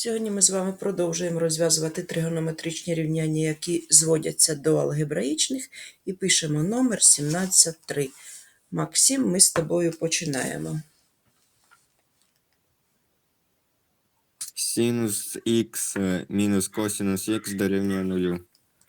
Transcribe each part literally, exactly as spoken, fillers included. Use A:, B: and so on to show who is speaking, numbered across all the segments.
A: Сьогодні ми з вами продовжуємо розв'язувати тригонометричні рівняння, які зводяться до алгебраїчних, і пишемо номер сімнадцять три. Максим, ми з тобою починаємо.
B: Синус х мінус косинус х дорівнює нулю.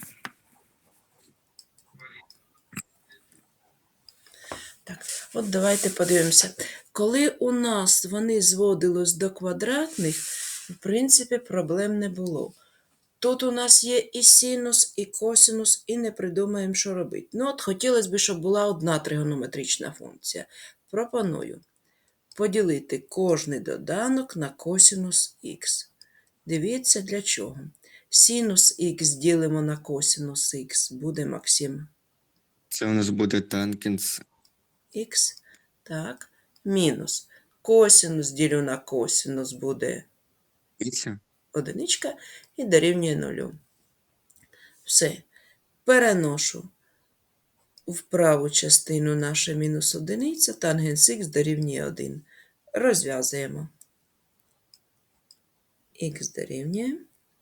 A: Так, от давайте подивимося. Коли у нас вони зводились до квадратних, в принципі, проблем не було. Тут у нас є і синус, і косинус, і не придумаємо, що робити. Ну, от хотілося б, щоб була одна тригонометрична функція. Пропоную поділити кожний доданок на косинус х. Дивіться, для чого. Синус х ділимо на косинус х, буде Максим.
B: Це у нас буде тангенс
A: Х. Так. Мінус. Косинус ділю на косинус буде
B: х.
A: одиничка і дорівнює нулю. Все. Переношу в праву частину наше мінус одиниця, тангенс х дорівнює один. Розв'язуємо. Х дорівнює.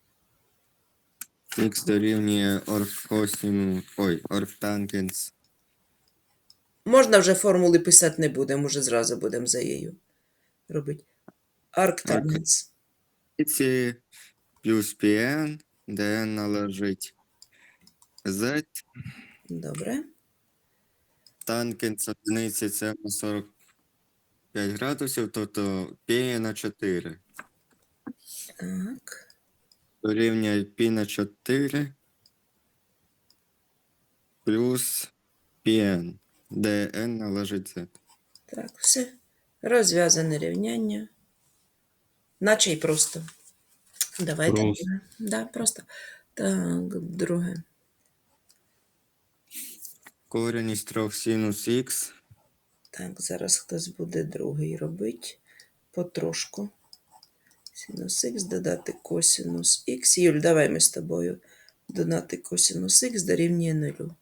B: Х дорівнює оргкосину, ой, оргтангенс.
A: Можна вже формули писати не будемо, вже зразу будемо за її робити. Арктангенс.
B: Ці плюс pn, де належить z.
A: Добре.
B: Тангенс одиниці це на сорок п'ять градусів, тобто π на чотири.
A: Так.
B: Дорівнює π на чотири плюс pn, де n належить z.
A: Так, все. Розв'язане рівняння. Наче й просто. Давайте.
C: Просто.
A: друге. Да, просто. Так, друге.
B: Корінь із трьох синус х.
A: Так, зараз хтось буде другий робити. Потрошку. Синус х додати косинус х. Юль, давай ми з тобою додати косинус х дорівнює нулю.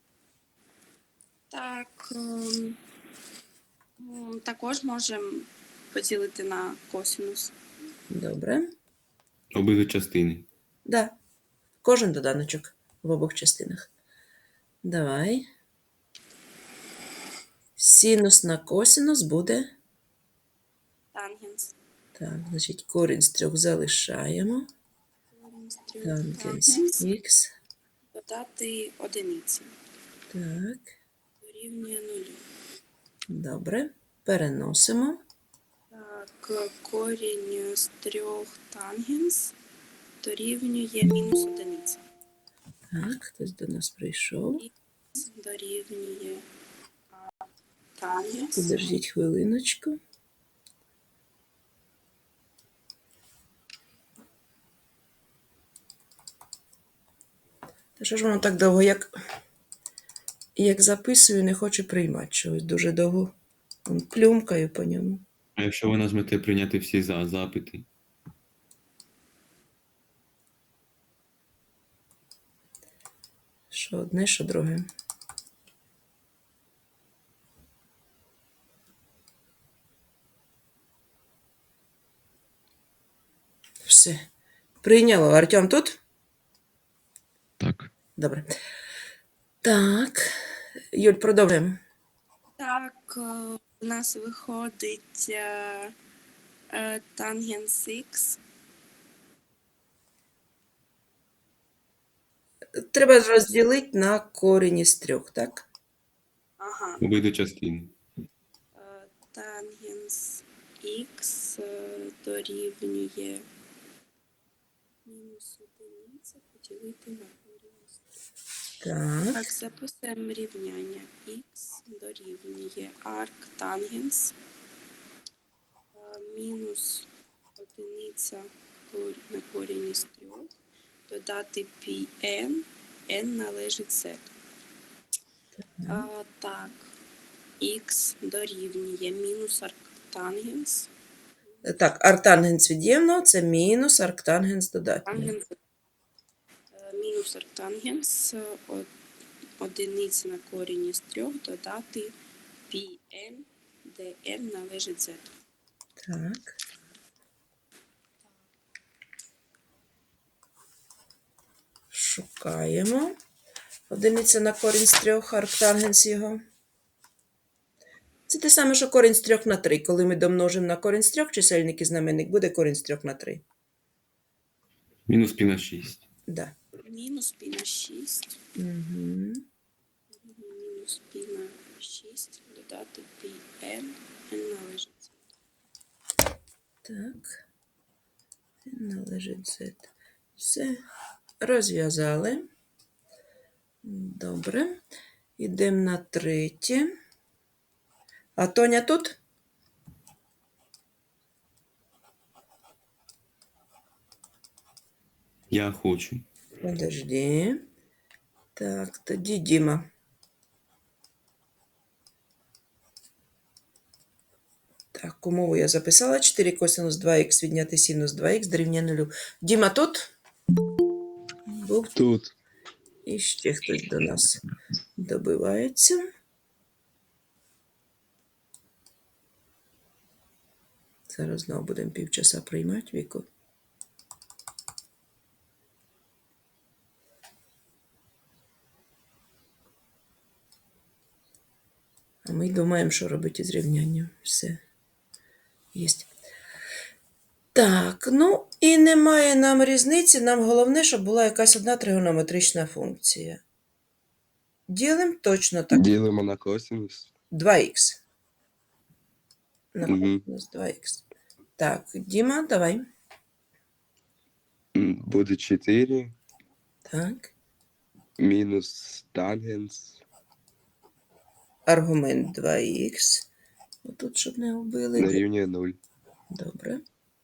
D: Так, ем, м, також можемо поділити на косинус.
A: Добре.
C: Обидві частини.
A: Да. Кожен доданочок в обох частинах. Давай. Синус на косинус буде.
D: Тангенс.
A: Так, значить, корінь з трьох залишаємо.
D: Корінь з трьох
A: Тангенс
D: тангенс.
A: х.
D: Додати одиниці.
A: Так,
D: Дорівнює нулю.
A: добре. Переносимо.
D: Так, корінь з трьох тангенс дорівнює мінус одиниця.
A: Так, хтось до нас прийшов.
D: Дорівнює а, тангенс.
A: Подождіть хвилиночку. Та що ж воно так довго, як, як записую, не хоче приймати чогось дуже довго. Вон плюмкаю по ньому.
C: А якщо ви нажмете прийняти всі за запити?
A: Що одне, що друге. Все. Прийняло. Артем тут?
C: Так.
A: Добре. Так. Юль, продовжуємо.
D: Так, е, у нас виходить е, е, тангенс х.
A: Треба розділити на корінь із трьох, так?
D: Ага.
C: Обидві частини.
D: Е, Тангенс х е, дорівнює мінус одиниця поділити на корінь з трьох.
A: Так.
D: Так, записуємо рівняння. Х дорівнює арктангенс е, мінус одиниця кор- на корінь із трьох, додати πn, n належить z. А, так, х дорівнює мінус арктангенс.
A: Так, арктангенс від'ємного – це мінус арктангенс додатнього.
D: Тангенс, е, мінус арктангенс е, од- одиниця на корінь із трьох додати πn, де n належить z.
A: Так. Шукаємо. Одиниця на корінь з трьох, арктангенс його. Це те саме, що корінь з трьох на три. Коли ми домножимо на корінь з трьох, чисельник і знаменник буде корінь з трьох на три.
C: Мінус пі на шість.
A: Да.
D: Мінус пі на шість.
A: Угу.
D: Мінус пі на шість. Додати пі n. n належить.
A: Так. Належить Z. Все. Розв'язали. Добре. Йдемо на третє. А Тоня тут?
C: Я хочу.
A: Подожди. Так, тоді Діма. Так, умову я записала. чотири косинус два х відняти синус два х дорівнює нулю. Діма тут? Був
E: Тут.
A: і ще хтось до нас добивається. Зараз знову будемо півчаса приймати Віку. А ми думаємо, що робити із рівнянням. Все. Єсть. Так, ну і немає нам різниці. Нам головне, щоб була якась одна тригонометрична функція. Ділимо точно так.
E: Ділимо на косинус.
A: два х. На
E: Мгм.
A: косинус два х. Так, Діма, давай.
E: М, Буде чотири
A: Так.
E: мінус тангенс
A: Аргумент два х. Отут, щоб не вбили.
E: дорівнює нуль.
A: Добре.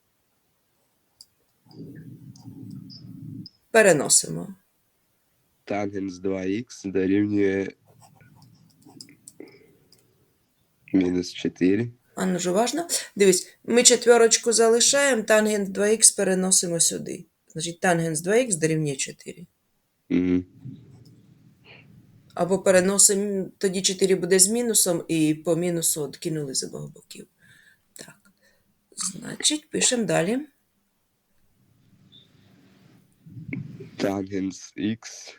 A: Переносимо.
E: Тангенс два х дорівнює мінус чотири.
A: А ну ж уважно. Дивись, ми четверочку залишаємо, тангенс два х переносимо сюди. Значить, тангенс два х дорівнює чотири.
E: Угу.
A: Або переносимо, тоді чотири буде з мінусом, і по мінусу відкинули з обох боків. Так. Значить, пишемо далі.
E: Тангенс х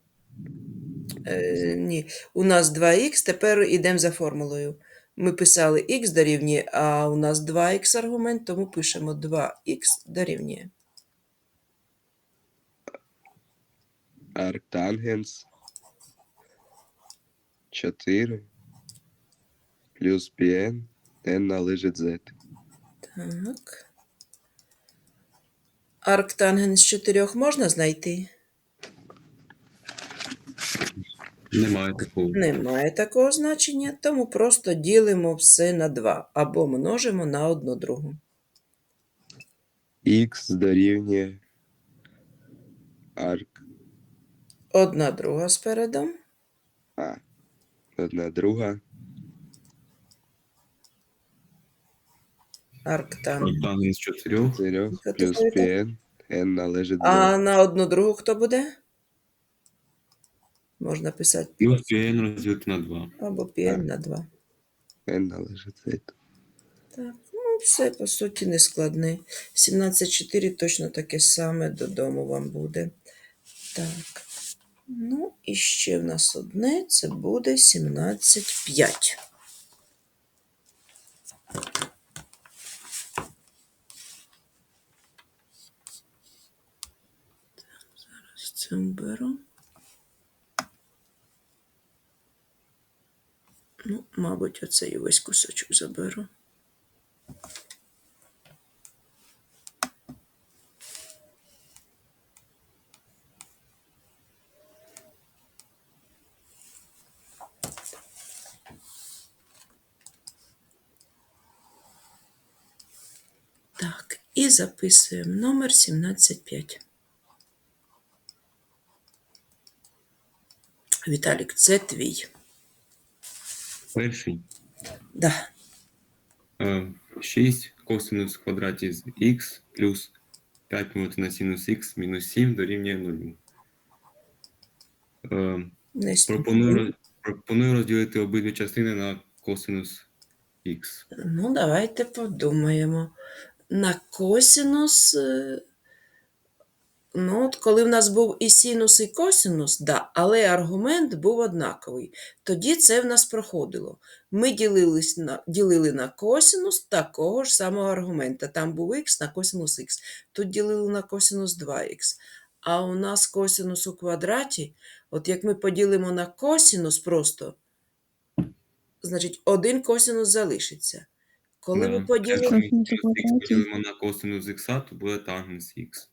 A: Е, ні, у нас два х, тепер йдемо за формулою. Ми писали х дорівнює, а у нас два х аргумент, тому пишемо два х дорівнює.
E: арктангенс чотири плюс πn n належить z.
A: Так. Арктангенс з чотирьох можна знайти?
C: Немає такого.
A: Немає такого значення, тому просто ділимо все на два або множимо на одну другу.
E: Х дорівнює арк
A: Одна друга спереду.
E: А. Одна друга.
A: Арктангенс.
C: Тангенс чотирьох.
E: чотири
A: Що ти
E: плюс
A: говориш?
E: πn n належить z.
A: А на одну другу хто буде? Можна писати
C: Плюс пі ен розділити на два.
A: або πn на два.
E: n належить z.
A: Так, ну все, по суті, не складне. сімнадцять чотири точно таке саме додому вам буде. Так. Ну, і ще в нас одне, це буде сімнадцять п'ять. Зараз це беру. Ну, мабуть, оцей весь кусочок заберу. Так, і записуємо номер сімнадцять п'ять. Віталік, це твій.
C: Перший.
A: Да.
C: Е, шість косинус в квадраті з х плюс п'ять помножити на синус х мінус сім дорівнює нулю. Е,
A: Не
C: пропоную,
A: спіши.
C: роз- пропоную розділити обидві частини на косинус х.
A: Ну, давайте подумаємо. На косинус е, Ну, от коли в нас був і синус, і косинус, да, але аргумент був однаковий. Тоді це в нас проходило. Ми ділились на, ділили на косинус такого ж самого аргумента. Там був х на косинус х. Тут ділили на косинус два х. А у нас косинус у квадраті, от як ми поділимо на косинус просто, значить один косинус залишиться. Коли ми
C: Да.
A: поділимо...
C: Якщо ми
F: Косинус у
C: синус х
F: квадраті.
C: поділимо на косинус х, то буде тангенс х.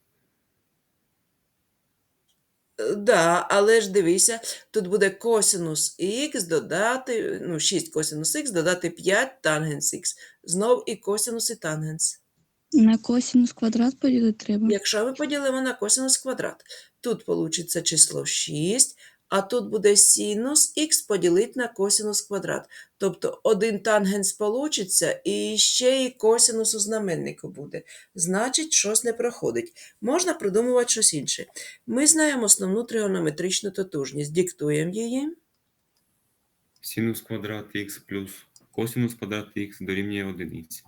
A: Да, але ж дивися, тут буде косинус х додати, ну, шість косинус х додати п'ять тангенс х. Знов і косинус, і тангенс.
F: На косинус квадрат поділити треба.
A: Якщо ми поділимо на косинус квадрат, тут вийде число шість, а тут буде синус х поділити на косинус квадрат. Тобто один тангенс вийде, і ще і косинус у знаменнику буде. Значить, щось не проходить. Можна придумувати щось інше. Ми знаємо основну тригонометричну тотужність. Диктуємо її.
C: Синус квадрат х плюс косинус квадрат х дорівнює одиниці.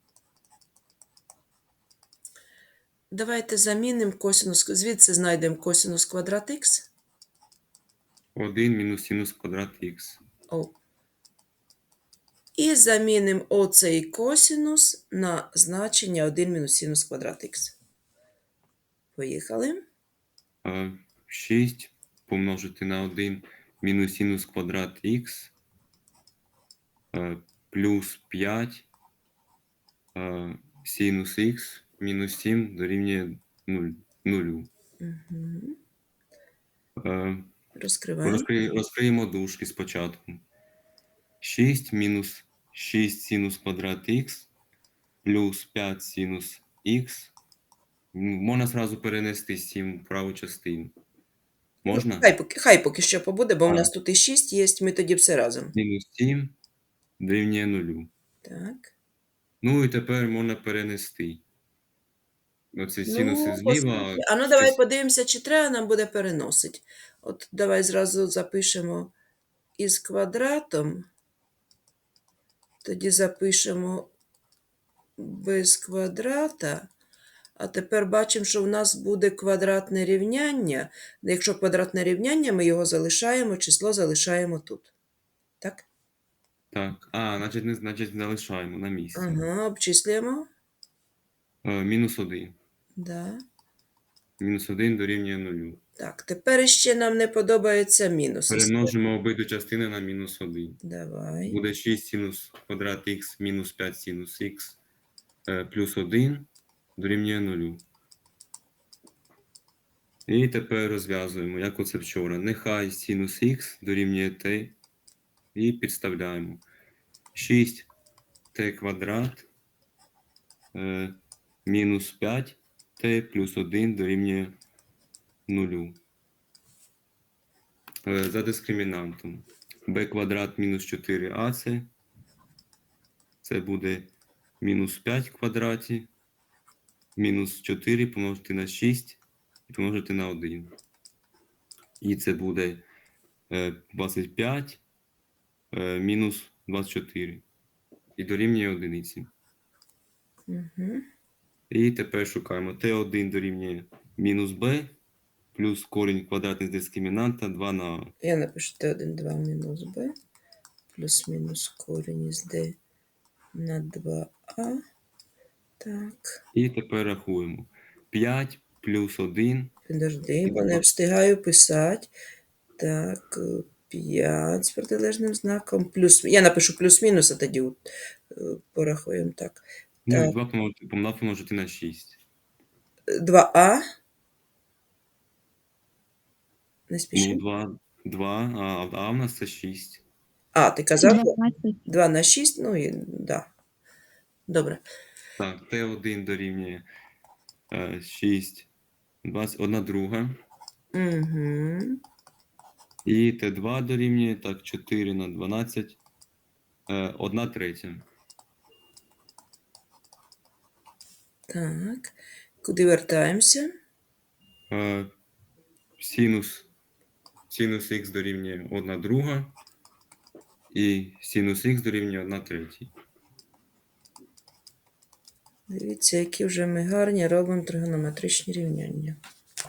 A: Давайте замінимо косинус, звідси знайдемо косинус квадрат х.
C: один мінус синус квадрат х.
A: О. І замінимо оцей косинус на значення один мінус синус квадрат х. Поїхали.
C: А, шість помножити на один мінус синус квадрат х а, плюс п'ять а, синус х мінус сім дорівнює нулю.
A: Угу.
C: А,
A: Розкриваємо.
C: розкри- розкриємо дужки спочатку. шість мінус шість синус квадрат х плюс п'ять синус х. Можна зразу перенести сім в праву частину. Можна?
A: Хай поки, хай поки що побуде, бо
C: А.
A: в нас тут і шість є, ми тоді все разом.
C: Мінус сім дорівнює нулю.
A: Так.
C: Ну і тепер можна перенести. Оце синуси
A: Ну,
C: зліва.
A: оскільки- а ну давай
C: щас-
A: подивимося, чи треба нам буде переносити. От давай зразу запишемо із квадратом. Тоді запишемо без квадрата. А тепер бачимо, що в нас буде квадратне рівняння. Якщо квадратне рівняння, ми його залишаємо, число залишаємо тут. Так?
C: Так. А, значить, не значить залишаємо на місці.
A: Ага, обчислюємо.
C: Е, мінус один.
A: Да.
C: Мінус один дорівнює нулю.
A: Так, тепер ще нам не подобається мінус.
C: Перемножимо обидві частини на мінус один.
A: Давай.
C: Буде шість синус квадрат х мінус п'ять синус х е, плюс один дорівнює нулю. І тепер розв'язуємо, як оце вчора. Нехай синус х дорівнює t. І підставляємо. шість t квадрат е, мінус п'ять t плюс один дорівнює нулю. Е, за дискримінантом. b квадрат мінус чотири а це. Це буде мінус п'ять в квадраті. Мінус чотири помножити на шість і помножити на один. І це буде е, двадцять п'ять е, мінус двадцять чотири. І дорівнює одиниці.
A: Угу.
C: І тепер шукаємо. Т один дорівнює мінус b плюс корінь квадратний з дискримінанта два на а.
A: Я напишу Т один, два мінус b плюс-мінус корінь із d на два а. Так.
C: І тепер рахуємо. п'ять плюс один.
A: Підожди, бо не встигаю писати. Так, п'ять з протилежним знаком. Плюс, я напишу плюс-мінус, а тоді от, е, порахуємо так.
C: Ну,
A: Так.
C: і два помножити, помножити, помножити на шість.
A: два а. Не
C: Ну,
A: спіши.
C: два, два, а, а в нас це шість.
A: А, ти казав
F: дванадцять.
A: два на шість, ну і да. Добре.
C: Так, Т один дорівнює е, шість, двадцять, одна друга.
A: Угу.
C: І Т два дорівнює, так, чотири на дванадцять, е, одна третя.
A: Так. Куди вертаємося?
C: Е, синус, синус х дорівнює одна друга. І синус х дорівнює одна третя.
A: Дивіться, які вже ми гарні робимо тригонометричні рівняння.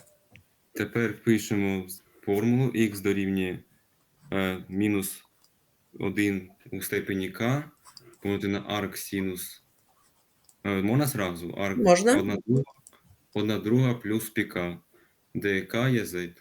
C: Тепер пишемо формулу х дорівнює е, мінус один у степені k помножити на арк синус. Е, можна зразу? Арк
A: Можна.
C: одна друга, одна друга плюс піка, де k є z.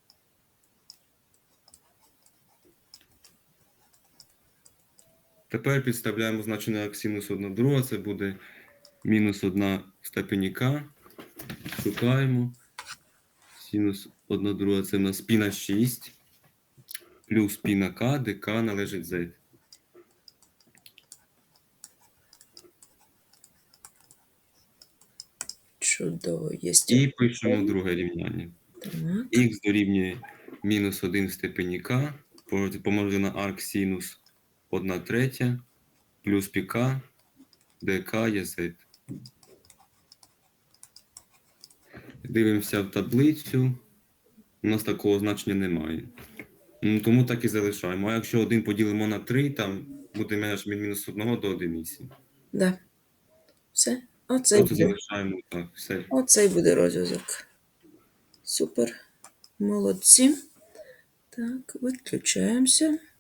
C: Тепер підставляємо значення як синус одна друга, це буде мінус одна в степені k. Шукаємо. Синус одна друга це в нас пі на шість, плюс пі на k, де k належить z.
A: Чудово, є.
C: І пишемо друге рівняння.
A: Так.
C: Х дорівнює мінус один в степені k, помножити на арк синус одна третя, плюс піка, де k є z. Дивимося в таблицю. У нас такого значення немає. Ну, тому так і залишаємо. А якщо один поділимо на три, там буде меж від мінус одного до одиниці.
A: Да. Все. Оцей
C: От
A: буде.
C: залишаємо так, все.
A: Оцей буде розв'язок. Супер. Молодці. Так, виключаємося.